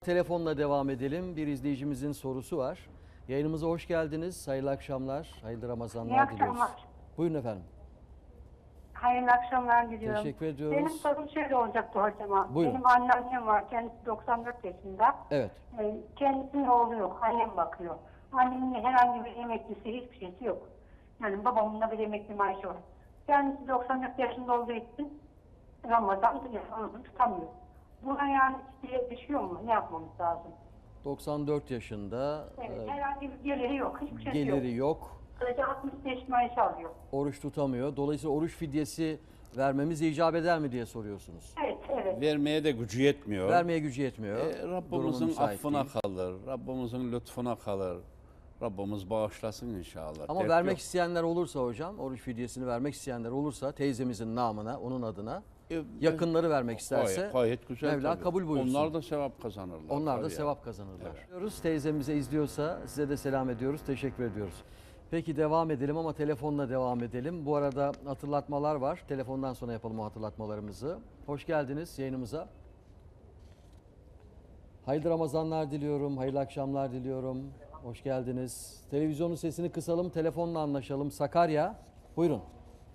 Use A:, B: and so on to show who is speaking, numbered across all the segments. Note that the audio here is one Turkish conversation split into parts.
A: Telefonla devam edelim. Bir izleyicimizin sorusu var. Yayınımıza hoş geldiniz. Hayırlı akşamlar, hayırlı Ramazanlar
B: İyi
A: diliyoruz.
B: akşamlar.
A: Buyurun efendim.
B: Hayırlı akşamlar diliyorum.
A: Teşekkür ediyoruz.
B: Benim sorum şöyle olacaktı hocama.
A: Buyurun.
B: Benim anneannem var. Kendisi 94 yaşında.
A: Evet.
B: Kendisinin oğlu yok. Annem bakıyor. Annemin herhangi bir emeklisi, hiçbir şeysi yok. Yani babamın da bir emekli maaşı var. Kendisi 94 yaşında olduğu için Ramazan telefonunu tutamıyor. Buna yani diye düşüyor mu? Ne yapmamız lazım?
A: 94 yaşında,
B: Evet, herhangi bir geliri yok. Hiçbir şey yok.
A: geliri yok,
B: Sadece 65 maaş alıyor.
A: oruç tutamıyor. Dolayısıyla oruç fidyesi vermemiz icap eder mi diye soruyorsunuz.
B: Evet, evet.
C: Vermeye de gücü yetmiyor.
A: Vermeye gücü yetmiyor. Durumu
C: Rabbimizin
A: müsait
C: affına
A: değil.
C: kalır. Rabbimizin lütfuna kalır. Rabbimiz bağışlasın inşallah.
A: Ama
C: Dert
A: vermek
C: yok.
A: isteyenler olursa hocam, oruç fidyesini vermek isteyenler olursa teyzemizin namına, onun adına
C: E,
A: yakınları vermek isterse
C: gayet güzel
A: Mevla
C: tabii.
A: kabul buyursun.
C: Onlar da sevap kazanırlar.
A: Onlar da
C: tabii
A: sevap kazanırlar. Diyoruz. Teyzemize izliyorsa size de selam ediyoruz. Teşekkür ediyoruz. Peki devam edelim ama telefonla devam edelim. Bu arada hatırlatmalar var. Telefondan sonra yapalım o hatırlatmalarımızı. Hoş geldiniz yayınımıza. Hayırlı Ramazanlar diliyorum. Hayırlı akşamlar diliyorum. Hoş geldiniz. Televizyonun sesini kısalım. Telefonla anlaşalım. Sakarya. Buyurun.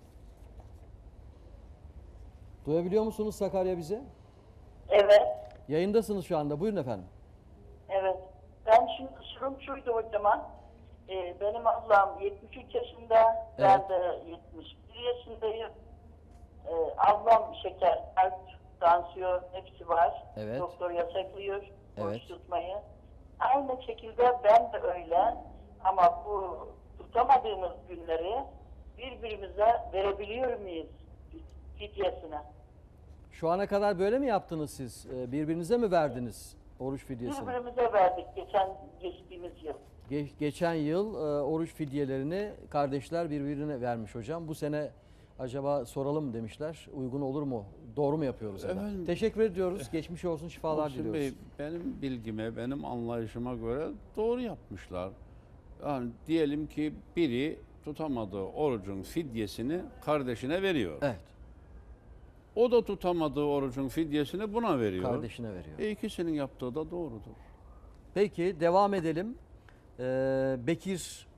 A: Duyabiliyor musunuz Sakarya bizi?
D: Evet,
A: Yayındasınız şu anda. Buyurun efendim.
D: evet. Ben şimdi sorum şuydu hocama. Benim ablam 73 yaşında, ben de 71 yaşındayım. Ablam şeker, kalp, tansiyon hepsi var.
A: Evet.
D: Doktor yasaklıyor
A: Evet.
D: oruç tutmayı. Aynı şekilde ben de öyle. Ama bu tutamadığımız günleri birbirimize verebiliyor muyuz fidyesine?
A: Şu ana kadar böyle mi yaptınız siz? Birbirinize mi verdiniz oruç fidyesini?
D: Birbirimize verdik geçtiğimiz yıl.
A: Geçen yıl oruç fidyelerini kardeşler birbirine vermiş hocam. Bu sene acaba soralım demişler. Uygun olur mu? Doğru mu yapıyoruz? ya da?
C: Efendim,
A: Teşekkür ediyoruz. Geçmiş olsun, şifalar
C: Muhsin
A: diliyoruz.
C: Bey, benim bilgime, benim anlayışıma göre doğru yapmışlar. Yani diyelim ki biri tutamadığı orucun fidyesini kardeşine veriyor.
A: Evet,
C: O da tutamadığı orucun fidyesini buna veriyor.
A: kardeşine veriyor.
C: İkisinin yaptığı da doğrudur.
A: Peki devam edelim. Bekir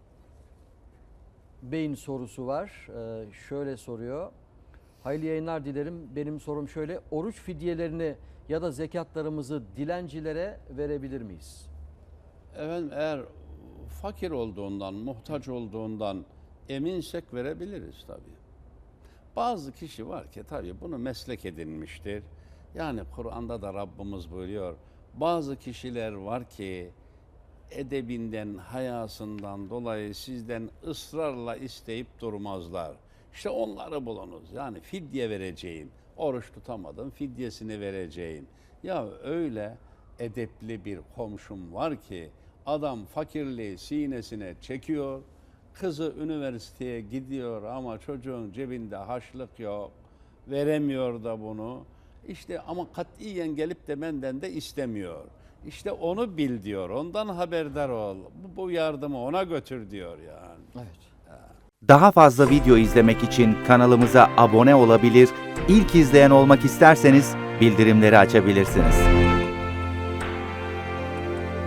A: Bey'in sorusu var. Şöyle soruyor. Hayırlı yayınlar dilerim. Benim sorum şöyle. Oruç fidyelerini ya da zekatlarımızı dilencilere verebilir miyiz?
C: Efendim eğer fakir olduğundan, muhtaç olduğundan eminsek verebiliriz tabii. Bazı kişi var ki tabii bunu meslek edinmiştir. Yani Kur'an'da da Rabbimiz buyuruyor. Bazı kişiler var ki edebinden, hayasından dolayı sizden ısrarla isteyip durmazlar. İşte onları bulunuz. Yani fidye vereceğim. Oruç tutamadım, fidyesini vereceğim. Ya öyle edepli bir komşum var ki adam fakirliği sinesine çekiyor. Kızı üniversiteye gidiyor ama çocuğun cebinde harçlık yok. Veremiyor da bunu. İşte ama katiyen gelip de benden de istemiyor. İşte onu bil diyor. Ondan haberdar ol. Bu yardımı ona götür diyor yani.
A: Evet.
E: Daha fazla video izlemek için kanalımıza abone olabilir, ilk izleyen olmak isterseniz bildirimleri açabilirsiniz.